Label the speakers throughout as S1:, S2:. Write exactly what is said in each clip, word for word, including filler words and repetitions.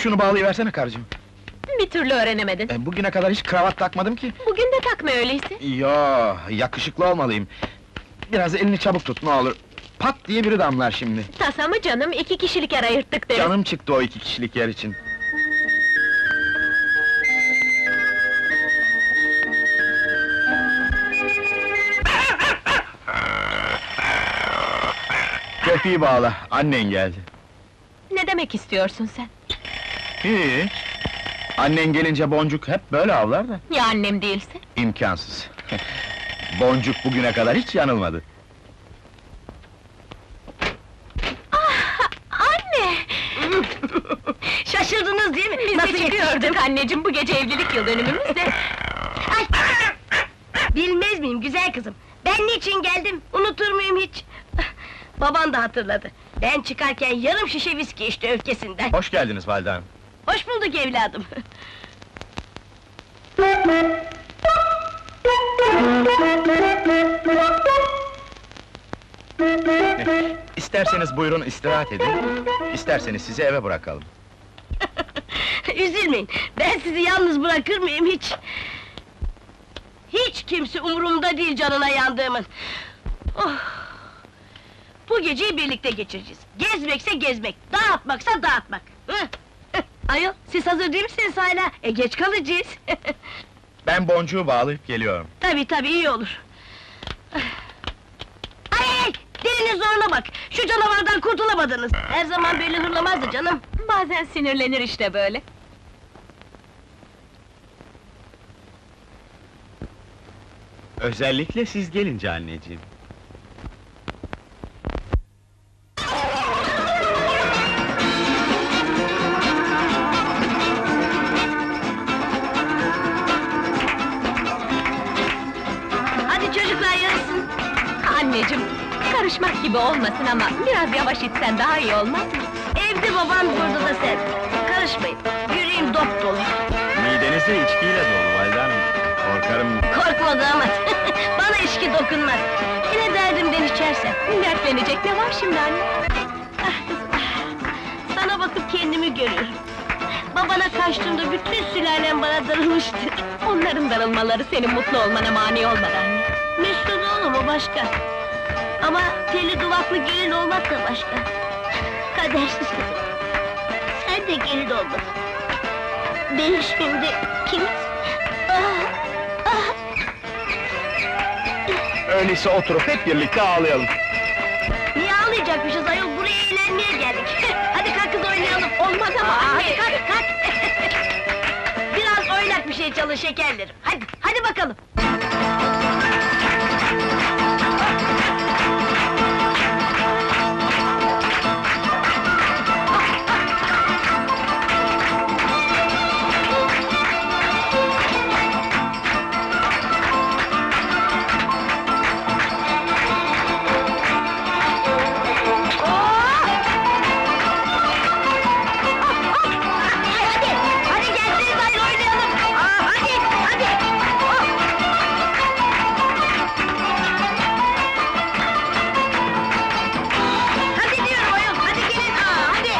S1: Şunu bağlayıversene karıcığım.
S2: Bir türlü öğrenemedin.
S1: E, bugüne kadar hiç kravat takmadım ki.
S2: Bugün de takma öyleyse.
S1: Yo, yakışıklı olmalıyım. Biraz elini çabuk tut, ne olur. Pat diye biri damlar şimdi.
S2: Tasa mı canım, iki kişilik yer ayırttık deriz.
S1: Canım çıktı o iki kişilik yer için. Köpeği bağla, annen geldi.
S2: Ne demek istiyorsun sen?
S1: Hiç. Annen gelince Boncuk hep böyle avlar da.
S2: Ya annem değilse?
S1: İmkansız. Boncuk bugüne kadar hiç yanılmadı.
S2: Anne!
S3: Şaşırdınız değil mi?
S2: Biz
S3: Nasıl
S2: de
S3: yetiştim?
S2: çıkıyorduk anneciğim, bu gece evlilik yıl dönümümüz de.
S3: Ay! Bilmez miyim güzel kızım? Ben niçin geldim? Unutur muyum hiç? Baban da hatırladı. Ben çıkarken yarım şişe viski içti öfkesinden.
S1: Hoş geldiniz valide hanım.
S3: Hoş bulduk evladım.
S1: İsterseniz buyurun istirahat edin, isterseniz sizi eve bırakalım.
S3: Üzülmeyin, ben sizi yalnız bırakır mıyım hiç? Hiç kimse umurumda değil canına yandığımın. Oh! Bu geceyi birlikte geçireceğiz. Gezmekse gezmek, dağıtmaksa dağıtmak. Hı? Hı. Ayol, siz hazır değil misiniz hala? E geç kalacağız.
S1: Ben boncuğu bağlayıp geliyorum.
S3: Tabii tabii, iyi olur. Ay ay! Dilinin zoruna bak! Şu canavardan kurtulamadınız! Her zaman böyle hırlamazdı canım!
S2: Bazen sinirlenir işte böyle.
S1: Özellikle siz gelince anneciğim.
S3: Hadi çocuklar yarışsın!
S2: Anneciğim, karışmak gibi olmasın ama biraz yavaş içsen daha iyi olmaz mı?
S3: Evde baban, burada da sen! Karışmayın, yüreğim dop dolu!
S1: Mideniz de içkiyle dolu valide hanım. Korkarım...
S3: Korkma damat! Bana içki dokunmaz! Yine derdimden içersem!
S2: Dertlenecek ne var şimdi anne?
S3: Ah kızım, ah! Sana bakıp kendimi görüyorum! Babana kaçtığımda bütün sülalem bana darılmıştı!
S2: Onların darılmaları senin mutlu olmana mani olmadı anne.
S3: Mesut oğlum o başka! Ama telli duvaklı gelin olmak da başka! Kadersiz kızım! Sen de gelin olmadın! Ben şimdi kim? Ah, ah.
S1: Öyleyse oturup hep birlikte ağlayalım.
S3: Niye ağlayacakmışız ayol? Buraya eğlenmeye geldik! Hadi kalk kız oynayalım!
S2: Olmaz ama
S3: Aa,
S2: anne!
S3: hadi kalk kalk! Biraz oynak bir şey çalın şekerlerim! Hadi, hadi bakalım! Hadi, hadi gelseniz hayır oynayalım! Aa, hadi, hadi! Oh! Hadi diyorum ayol, hadi gelin! Aa, hadi!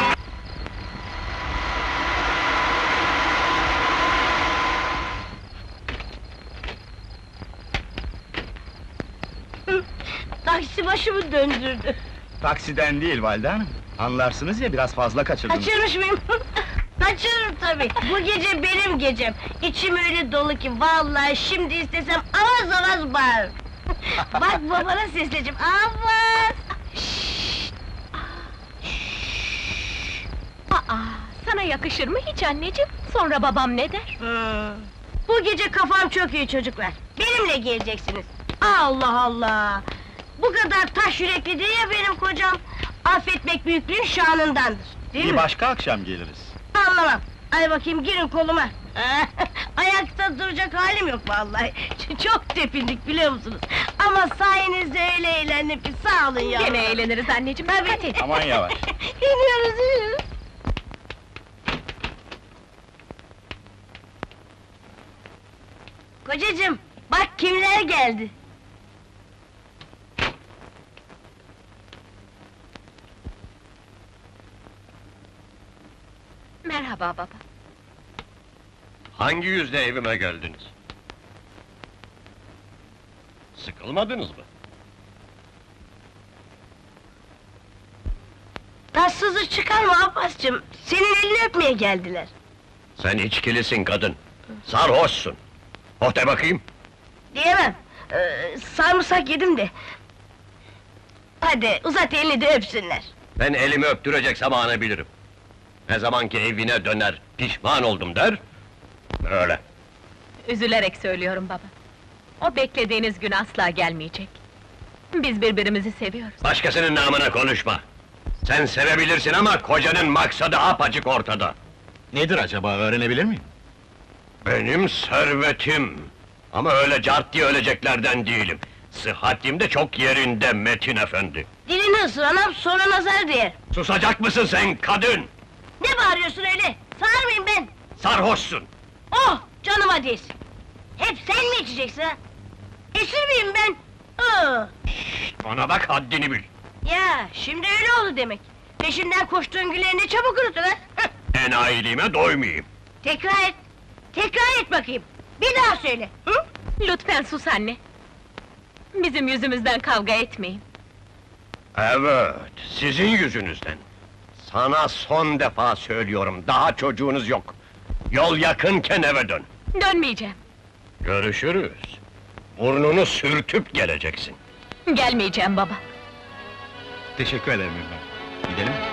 S3: Hı, Taksi başımı döndürdü.
S1: Taksiden değil valide hanım. Anlarsınız ya, biraz fazla kaçırdınız.
S3: Kaçırmış mıyım? Kaçırırım tabii! Bu gece benim gecem! İçim öyle dolu ki, vallahi şimdi istesem avaz avaz bağırırım! Bak babana sesleneceğim, avaz!
S2: Aa, sana yakışır mı hiç anneciğim? Sonra babam ne der?
S3: Hmm. Bu gece kafam çok iyi çocuklar! Benimle geleceksiniz! Allah Allah! Bu kadar taş yürekli değil ya benim kocam! Affetmek büyüklüğün şanındandır! Değil
S1: Bir
S3: mi?
S1: başka akşam geliriz.
S3: Anlamam! Ay bakayım, girin koluma! Ayakta duracak halim yok vallahi! Ç- Çok tepindik biliyor musunuz? Ama sayenizde öyle eğlendim ki, sağ olun ya!
S2: Gene eğleniriz anneciğim,
S3: Tabii.
S2: dikkat et!
S1: Aman yavaş.
S3: İniyoruz, iniyoruz! Kocacığım, bak kimler geldi!
S2: Merhaba baba.
S4: Hangi yüzle evime geldiniz? Sıkılmadınız mı?
S3: Tatsızlık çıkarma Abbascığım. Senin elini öpmeye geldiler.
S4: Sen içkilisin kadın. Sarhoşsun. Oh de bakayım.
S3: Diyemem. Ee, sarımsak yedim de. Hadi uzat elini de öpsünler.
S4: Ben elimi öptürecek zamanı bilirim. Ne zaman ki evine döner, pişman oldum der... Öyle.
S2: Üzülerek söylüyorum baba. O beklediğiniz gün asla gelmeyecek. Biz birbirimizi seviyoruz.
S4: Başkasının namına konuşma. Sen sevebilirsin ama kocanın maksadı apaçık ortada.
S1: Nedir acaba, öğrenebilir miyim?
S4: Benim servetim. Ama öyle cart diye öleceklerden değilim. Sıhhatim de çok yerinde Metin efendi.
S3: Dilini ısır anam, sonra nazar değer.
S4: Susacak mısın sen kadın?
S3: Ne bağırıyorsun öyle? Sağır mıyım ben?
S4: Sarhoşsun.
S3: Oh, canıma değsin. Hep sen mi içeceksin ha? Esir miyim ben? Aa,
S4: Bana bak, haddini bil.
S3: ya, şimdi öyle oldu demek. Peşinden koştuğun güleri ne çabuk unuttun ha? Heh,
S4: Enayiliğime doymayayım.
S3: tekrar et, tekrar et bakayım. Bir daha söyle. Hı?
S2: Lütfen sus anne. Bizim yüzümüzden kavga etmeyin.
S4: Evet, sizin yüzünüzden. Sana son defa söylüyorum, daha çocuğunuz yok. Yol yakınken eve dön.
S2: Dönmeyeceğim.
S4: Görüşürüz. Burnunu sürtüp geleceksin.
S2: Gelmeyeceğim baba.
S1: Teşekkür ederim İlhan. Gidelim mi?